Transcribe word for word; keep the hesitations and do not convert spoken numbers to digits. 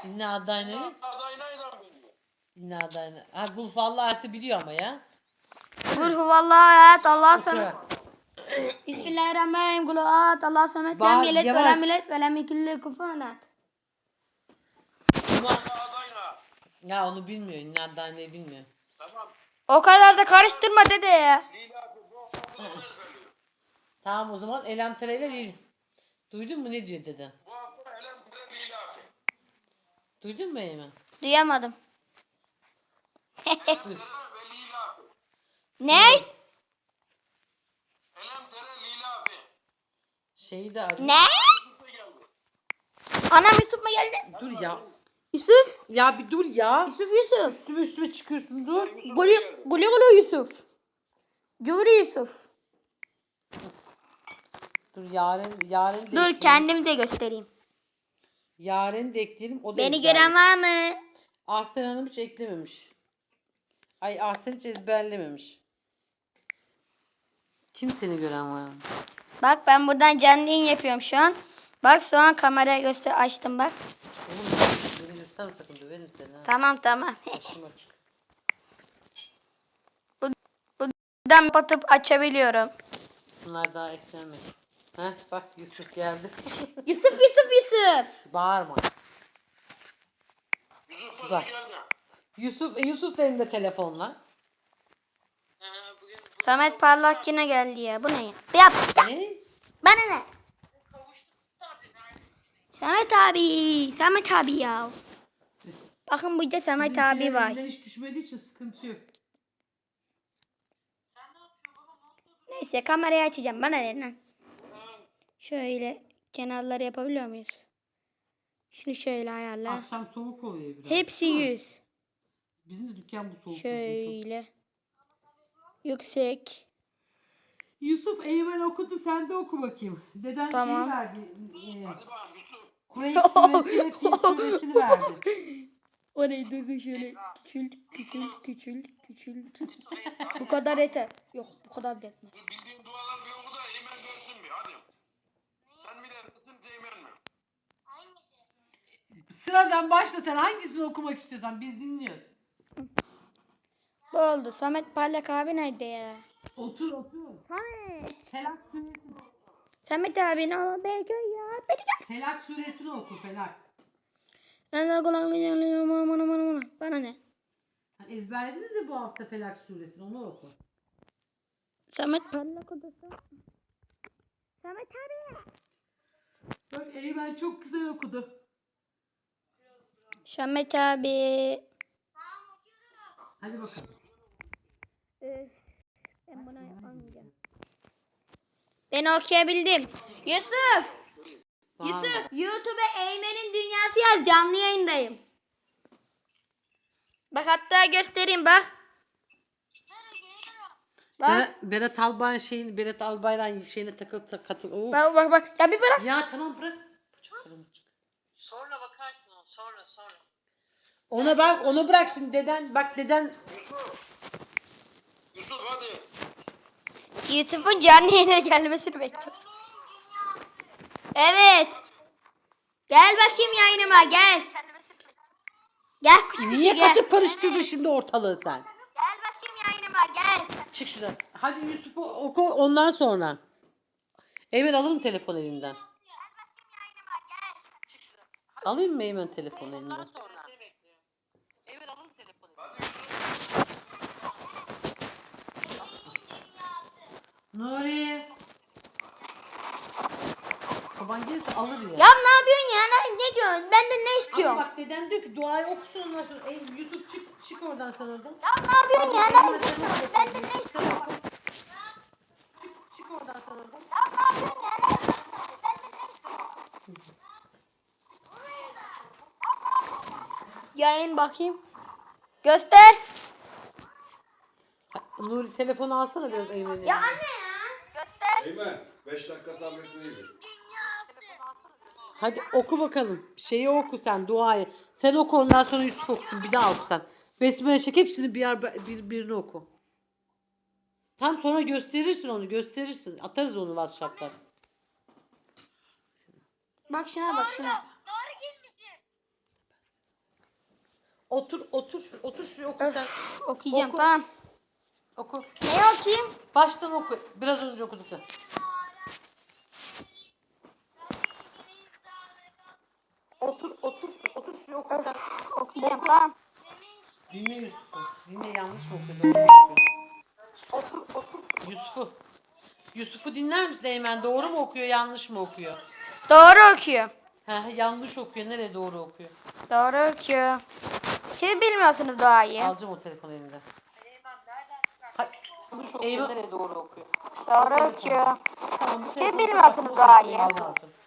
İnna adayını. Adaynayla biliyor. İnna adayını. Ha bu vallahi ayeti biliyor ama ya. Kul huvallahu ahad Allah'a Oku. samet. Bismillahirrahmanirrahim. Kul ahad Allah'a samet. Ba- Lem yelet ve yavaş. lem yelet ve lem yekun lehu kufuven ahad. Adaynayla adayla. Ya onu bilmiyor. İnna adayını bilmiyor. Tamam. O kadar da karıştırma dede ya. Lila bu okulunu ezberliyor. Tamam o zaman elem tereyle değil. Duydun mu ne diyor dede? Bu hafta elem tere lila. Duydun mu Eymen? Duyamadım. Elem tere ve lila. Ne? Elem tere lila. Şeyi de arıyor. Ne? Yusuf da geldi. Anam Yusuf mu geldi? Dur ya. Yusuf. Ya bir dur ya. Yusuf Yusuf. Üstüme üstüme çıkıyorsun dur. Yusuf da Gulu geldi. gulu gulu Yusuf. Cumhur Yusuf. Dur Yaren Yaren de Dur ekleyelim. kendim de göstereyim. Yaren de ekleyelim. O da Beni ezberlesin. gören var mı? Ahsen Hanım hiç eklememiş. Ay Ahsen hiç ezberlememiş. Kim seni gören var? Bak ben buradan canlı yayın yapıyorum şu an. Bak şu an kamerayı göster açtım bak. Oğlum beni gösterme sakın döverim seni ha. Tamam tamam. Başım açık. Buradan kapatıp açabiliyorum. Bunlar daha eklenmedi. Heh bak Yusuf geldi. Yusuf Yusuf Yusuf. Bağırma. Yusuf Güzel. da geldi. Yusuf, e, Yusuf da elinde telefonla. Samet Parlak yine geldi ya. Bu ne ya? Yap. Ne? Bana ne? Samet abi. Samet abi ya. Bakın burada Samet Bizimkilerin abi var. elinden hiç düşmediği için sıkıntı yok. Neyse kamerayı açacağım. Bana ne lan? Şöyle kenarları yapabiliyor muyuz? Şunu şöyle ayarla. Akşam soğuk oluyor biraz. Hepsi Değil mi? yüz. Bizim de dükkan bu soğuk oluyor çok. Şöyle. Yüksek. Yusuf Eymen okudu sen de oku bakayım. Deden Tamam. şeyi verdi. E, Hadi bakalım Yusuf. Kureyş suresi ve Fil suresini verdi. Orayı dur şöyle küçült küçült küçült küçült. Bu kadar yeter. Yok bu kadar da yetmez. Dur, bildiğin dualar bir oku da Eymen görsün bir hadi. Sen mi dersin Eymen mi? Sıradan başla sen hangisini okumak istiyorsan biz dinliyoruz. Bu oldu. Samet Parlak abi nerede ya? Otur otur. Samet. Felak suresini, Samet abi ne olur belki ya. Belki Felak suresini oku Felak. Bana ne? Hani ezberlediniz ya bu hafta Felak suresini onu oku. Samet Parlak odası. Samet abi. Bak Eymen çok güzel okudu. Samet abi. Hadi bakalım. Öf, ben buna yapamayacağım. Ben okuyabildim. Yusuf. Bağırma. Yusuf. YouTube'a Eymen'in Dünyası yaz. Canlı yayındayım. Bak hatta göstereyim bak. Bak. Berat, Berat Albayrak şeyini Berat Albayrak'ın şeyine takıl tak- katıl. Of. Bak bak bak. Ya bir bırak. Ya tamam bırak. Bıçaklarımı çık. Sonra bakarsın o sonra sonra. Ona bak onu bırak şimdi deden bak deden Yusuf. Yusuf hadi. Yusuf'un canlı yayına gelmesini bekliyoruz. Evet. Gel bakayım yayınıma gel. Gel küçük niye küçük gel. katıp karıştırdın şimdi ortalığı sen? Gel bakayım yayınıma gel. Çık şuradan. Hadi Yusuf'u oku ondan sonra. Eymen alır mı telefon elinden? Alayım mı Eymen telefon elinden? Ondan sonra. Seni bekliyor. Evet alın telefonu. Nuri. Baban gelirse alır ya. Ya ne yapıyorsun ya? Ne, ne diyorsun? Ben de ne Ama istiyorum? bak deden diyor ki duayı okusun ondan sonra. Ey, Yusuf çık çık oradan sen oradan. Ya ne yapıyorsun ya? Ne istiyorsun? Ben de ne istiyorum? Çık, çık oradan sen oradan. Yayın bakayım. Göster. Nuri telefonu alsana biraz Eymen'e. Ya anne ya. Göster. Eymen beş dakika sabretmeyi. Hadi oku bakalım. Şeyi oku sen duayı. Sen oku ondan sonra Yusuf okusun. Bir daha oku sen. Besmele çek hepsini bir, yer, bir birini oku. Tam sonra gösterirsin onu gösterirsin. Atarız onu WhatsApp'tan. Bak şuna bak şuna. Otur otur otur şuraya oku sen. Öf, okuyacağım Oku. tamam. Oku. Neyi okuyayım? Baştan oku. Biraz önce okuduk. Otur otur otur şuraya oku sen. Okuyacağım tamam. Dinle Yusuf'u. Dinle yanlış mı okuyor? Doğru mu okuyor? Otur otur. Yusuf'u. Yusuf'u dinler misin Eymen? Doğru mu okuyor yanlış mı okuyor? Doğru okuyor. He, yanlış okuyor. Nereye doğru okuyor? Doğru okuyor. Siz bilmiyorsunuz doğayı. Alacağım o telefonu elinden. Hay- Eymen nereye doğru okuyor? Doğru okuyor. Tamam, bu Siz telefonu bilmiyorsunuz kapat, doğayı. Eymen alacağım.